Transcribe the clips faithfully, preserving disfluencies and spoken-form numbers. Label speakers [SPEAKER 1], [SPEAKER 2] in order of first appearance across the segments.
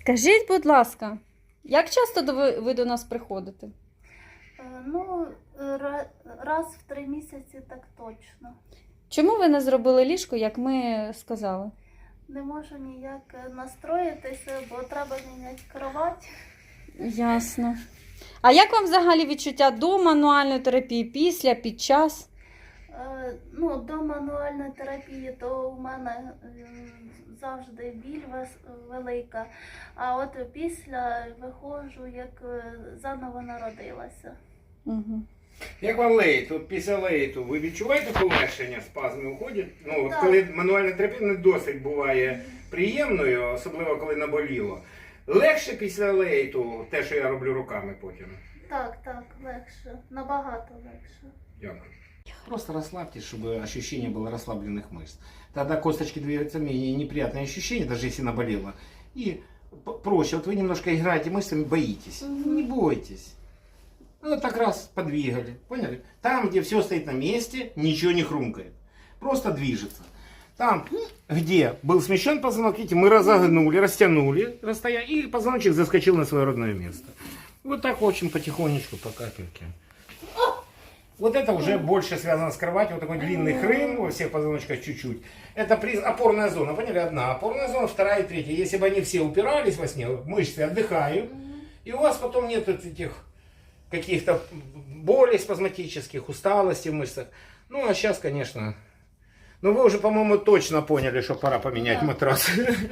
[SPEAKER 1] Скажіть, будь ласка, як часто до ви, ви до нас приходите?
[SPEAKER 2] Е, Ну, ра- раз в три місяці так точно.
[SPEAKER 1] Чому ви не зробили ліжко, як ми сказали?
[SPEAKER 2] Не можу ніяк настроїтися, бо треба міняти кровать.
[SPEAKER 1] Ясно. А як вам взагалі відчуття до мануальної терапії, після, під час?
[SPEAKER 2] Е, Ну, до мануальної терапії, то у мене е, завжди біль вес- велика, а от після виходжу, як е, заново народилася.
[SPEAKER 1] Угу.
[SPEAKER 3] Як вам леїт? От після леїту ви відчуваєте полегшення, спазми уходять? Ну, от
[SPEAKER 2] Так.
[SPEAKER 3] коли мануальна терапія не досить буває приємною, особливо коли наболіло. Легше після леїту те, що я роблю руками потім.
[SPEAKER 2] Так, так, легше, набагато легше.
[SPEAKER 3] Дякую. Просто расслабьтесь, чтобы ощущение было расслабленных мышц. Тогда косточки двигаются менее неприятные ощущения, даже если наболело. И п- проще. Вот вы немножко играете мышцами, боитесь.
[SPEAKER 2] Мгм.
[SPEAKER 3] Не бойтесь. Ну, так раз подвигали. Поняли? Там, где все стоит на месте, ничего не хрумкает. Просто движется. Там, где был смещен позвонок, видите, мы разогнули, растянули расстояние, и позвоночник заскочил на свое родное место. Вот так очень потихонечку, по капельке. Вот это уже больше связано с кроватью, вот такой длинный хрым во всех позвоночках чуть-чуть. Это приз... опорная зона, поняли? Одна опорная зона, вторая и третья. Если бы они все упирались во сне, мышцы отдыхают, и у вас потом нет вот этих каких-то болей спазматических, усталости в мышцах. Ну, а сейчас, конечно... Ну, вы уже, по-моему, точно поняли, что пора поменять
[SPEAKER 2] Да.
[SPEAKER 3] матрас.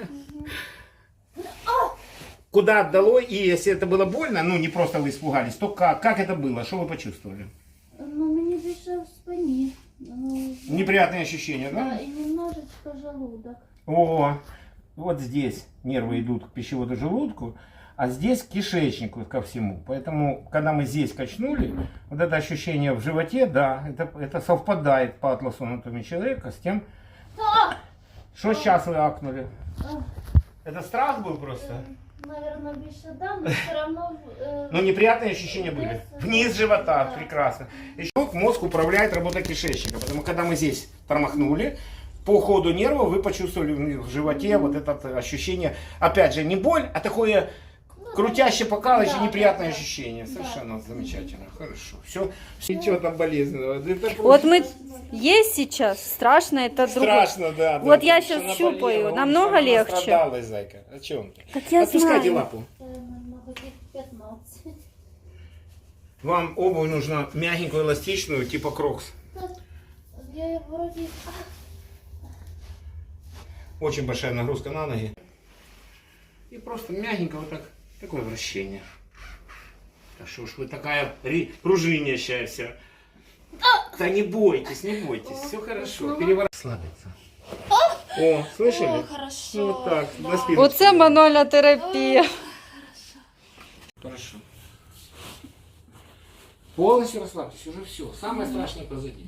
[SPEAKER 3] Куда отдало, и если это было больно, ну, не просто вы испугались, то как? Как это было? Что вы почувствовали?
[SPEAKER 2] Ну, мені більше в спині. Ну,
[SPEAKER 3] Неприятные ощущения, да?
[SPEAKER 2] да, і немножечко желудок.
[SPEAKER 3] О, вот здесь нервы идут к пищеводу желудку, а здесь к кишечнику ко всему. Поэтому, когда мы здесь качнули, вот это ощущение в животе, да, это, это совпадает по атласу анатомии человека с тем, что сейчас вы акнули. Это страх был просто?
[SPEAKER 2] Наверное, більше да, но все одно... Е...
[SPEAKER 3] Но неприятные ощущения были. Вниз живота,
[SPEAKER 2] Да.
[SPEAKER 3] прекрасно. Еще мозг управляет работой кишечника. Потому когда мы здесь тормохнули, по ходу нерва вы почувствовали в животе вот это ощущение. Опять же, не боль, а такое крутяще, покалывающее,
[SPEAKER 2] Да,
[SPEAKER 3] неприятное
[SPEAKER 2] да, да.
[SPEAKER 3] ощущение.
[SPEAKER 2] Да.
[SPEAKER 3] Совершенно замечательно. Хорошо. Все. Ничего там болезненного. Это просто
[SPEAKER 1] Вот мы есть сейчас, страшно, это другое.
[SPEAKER 3] страшно, да.
[SPEAKER 1] Вот
[SPEAKER 3] да,
[SPEAKER 1] я
[SPEAKER 3] потому
[SPEAKER 1] щас
[SPEAKER 3] что
[SPEAKER 1] щупаю,
[SPEAKER 3] наболело.
[SPEAKER 1] намного
[SPEAKER 3] Она
[SPEAKER 1] легче.
[SPEAKER 3] настрадалась, зайка. О чем ты?
[SPEAKER 1] Так я
[SPEAKER 3] Отпускайте
[SPEAKER 1] знаю.
[SPEAKER 3] лапу.
[SPEAKER 2] Це, мабуть, п'ятнадцять.
[SPEAKER 3] Вам обувь нужна мягенькую, эластичную, типа крокс.
[SPEAKER 2] Я вроді...
[SPEAKER 3] Очень большая нагрузка на ноги. И просто мягенько вот так, такое вращение. Да что ж вы такая ри- пружинящая вся. Да не бойтесь, не бойтесь, все хорошо. Переворот. Расслабиться. О, слышали?
[SPEAKER 2] О, хорошо.
[SPEAKER 3] Ну, вот так,
[SPEAKER 2] Да.
[SPEAKER 3] на спину.
[SPEAKER 1] Оце мануальна терапія.
[SPEAKER 3] Хорошо. Полностью расслабьтесь, уже все. Самое страшное позади.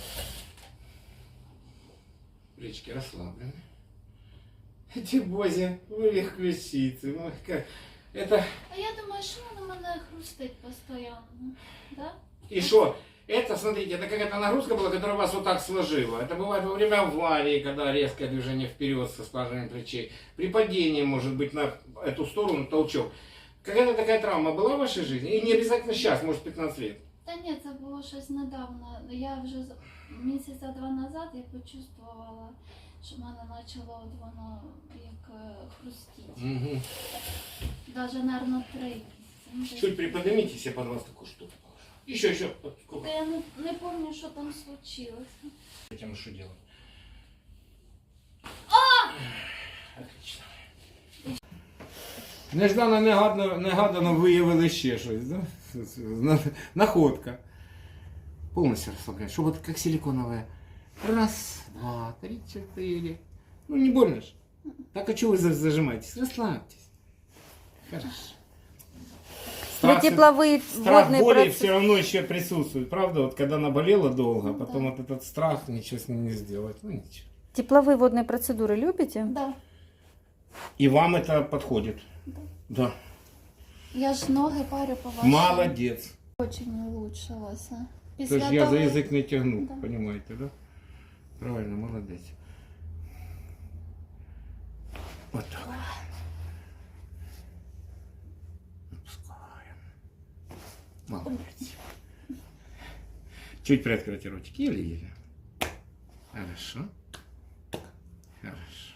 [SPEAKER 3] Плечики расслаблены. Эти бози, вы их ключицы. Ну, как... Это...
[SPEAKER 2] А я думаю, що воно мене хрустить постійно. Да?
[SPEAKER 3] И что? Это, смотрите, это какая-то нагрузка была, которая вас вот так сложила. Это бывает во время аварии, когда резкое движение вперед со скважиной плечей. При падении, может быть, на эту сторону толчок. Какая-то такая травма была в вашей жизни? И не обязательно сейчас, может, пятнадцать лет.
[SPEAKER 2] Та ні, це було щось недавно. Я вже з- місяця два назад я почувствувала, що в мене почало от воно як е, хрустіти.
[SPEAKER 3] Угу.
[SPEAKER 2] Даже, наверное, три місяці. Ну, десь.
[SPEAKER 3] Чуть приподнимитесь, я под вас такую штуку положу. Еще, еще. Вот сколько?
[SPEAKER 2] Та я не, не пам'ятаю, що там случилось.
[SPEAKER 3] Этим что делать? Отлично. Неждано, негадано, негадано виявили ще щось, да? На- Находка. Полностью расслабляешь, чтобы вот как силиконовая. Раз, два, три, четыре. Ну не больно же. Так а чего вы за- зажимаетесь? Расслабьтесь. Хорошо.
[SPEAKER 1] Для тепловые
[SPEAKER 3] Страх
[SPEAKER 1] водные
[SPEAKER 3] боли
[SPEAKER 1] процессы.
[SPEAKER 3] все равно еще присутствует, правда? Вот когда наболело долго, потом вот этот страх, ничего с ним не сделать. Ну ничего.
[SPEAKER 1] Тепловые водные процедуры любите?
[SPEAKER 2] Да.
[SPEAKER 3] И вам это подходит?
[SPEAKER 2] Да.
[SPEAKER 3] Да.
[SPEAKER 2] Я ж ноги парю по вашому.
[SPEAKER 3] Молодец.
[SPEAKER 2] Очень улучшилося.
[SPEAKER 3] То
[SPEAKER 2] Після
[SPEAKER 3] есть я за
[SPEAKER 2] того-
[SPEAKER 3] язык не тягну,
[SPEAKER 2] Да.
[SPEAKER 3] понимаете, да? Правильно, молодец. Вот так. Молодец. Чуть приоткройте ротик. Еле-еле. Хорошо. Хорошо.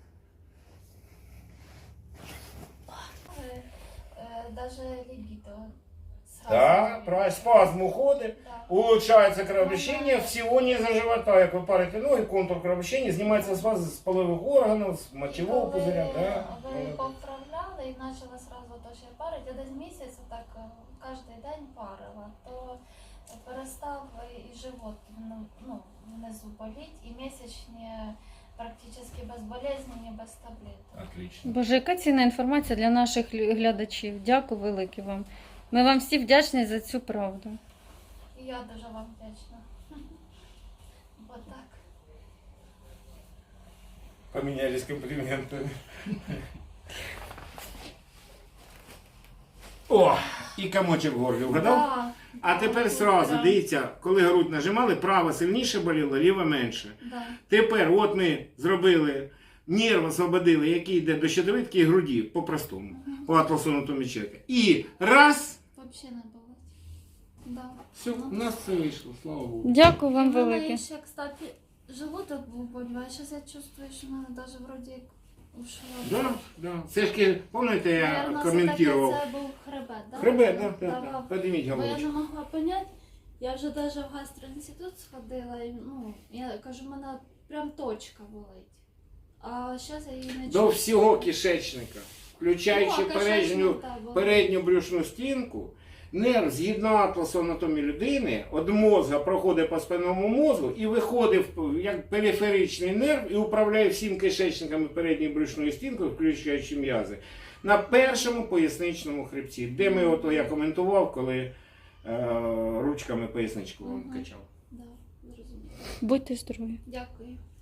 [SPEAKER 2] Даже либидо
[SPEAKER 3] Да, про спазм уходит,
[SPEAKER 2] Да.
[SPEAKER 3] улучшается кровообращение всего низа живота. Як ви парите ноги, контур кровообращения, знімається спазм з полових органів, з мочевого
[SPEAKER 2] Коли
[SPEAKER 3] пузыря. Да.
[SPEAKER 2] ви поправляли і почала сразу то ще парити, я десь місяць так е, кожен день парила, то перестав і живот ну, ну, внизу боліть, і місячні практично безболезненні, без таблеток.
[SPEAKER 3] Отлично.
[SPEAKER 1] Боже, яка цінна інформація для наших лю- глядачів. Дякую велике вам. Ми вам всі вдячні за цю правду.
[SPEAKER 2] І я дуже вам вдячна. Бо так.
[SPEAKER 3] Поменялись комплиментами. О, і комочок в горлі, вгадав?
[SPEAKER 2] Да.
[SPEAKER 3] А тепер сразу,
[SPEAKER 2] Да.
[SPEAKER 3] дивіться, коли грудь нажимали, права сильніше боліла, ліва менше.
[SPEAKER 2] Да.
[SPEAKER 3] Тепер от ми зробили, нерв освободили, який йде до щитовидки і груді, по-простому, по атласу анатомії чоловіка. І раз,
[SPEAKER 2] Взагалі не було. Да.
[SPEAKER 3] все, у нас все вийшло, слава Богу.
[SPEAKER 1] Дякую
[SPEAKER 2] І
[SPEAKER 1] вам
[SPEAKER 2] в мене
[SPEAKER 1] велике.
[SPEAKER 2] ще, кстати, желудок був боліває. Зараз я чувствую, що в мене навіть вроді як ушло.
[SPEAKER 3] Да, да. Це ж, пам'ятаєте, я
[SPEAKER 2] Наверно,
[SPEAKER 3] коментував.
[SPEAKER 2] все-таки це був хребет, да?
[SPEAKER 3] Хребет, да, да, да.
[SPEAKER 2] Давав.
[SPEAKER 3] Подниміть
[SPEAKER 2] Бо я
[SPEAKER 3] головочку.
[SPEAKER 2] не могла поняти. Я вже навіть в гастроінститут сходила, і, ну, я кажу, в мене прям точка болить. А зараз я її не
[SPEAKER 3] До
[SPEAKER 2] чую.
[SPEAKER 3] всього кишечника, включаючи
[SPEAKER 2] Ну, а
[SPEAKER 3] передню,
[SPEAKER 2] кишечник, так, болить.
[SPEAKER 3] передню брюшну стінку, нерв згідно атласу анатомії людини від мозга проходить по спинному мозку і виходить в- як периферичний нерв і управляє всім кишечниками передньої брюшної стінки, включаючи м'язи, на першому поясничному хребці, де ми, ото я коментував, коли е, ручками поясничку вам
[SPEAKER 2] Мгм.
[SPEAKER 3] качав.
[SPEAKER 2] Да, зрозуміло.
[SPEAKER 1] Будьте здорові.
[SPEAKER 2] Дякую.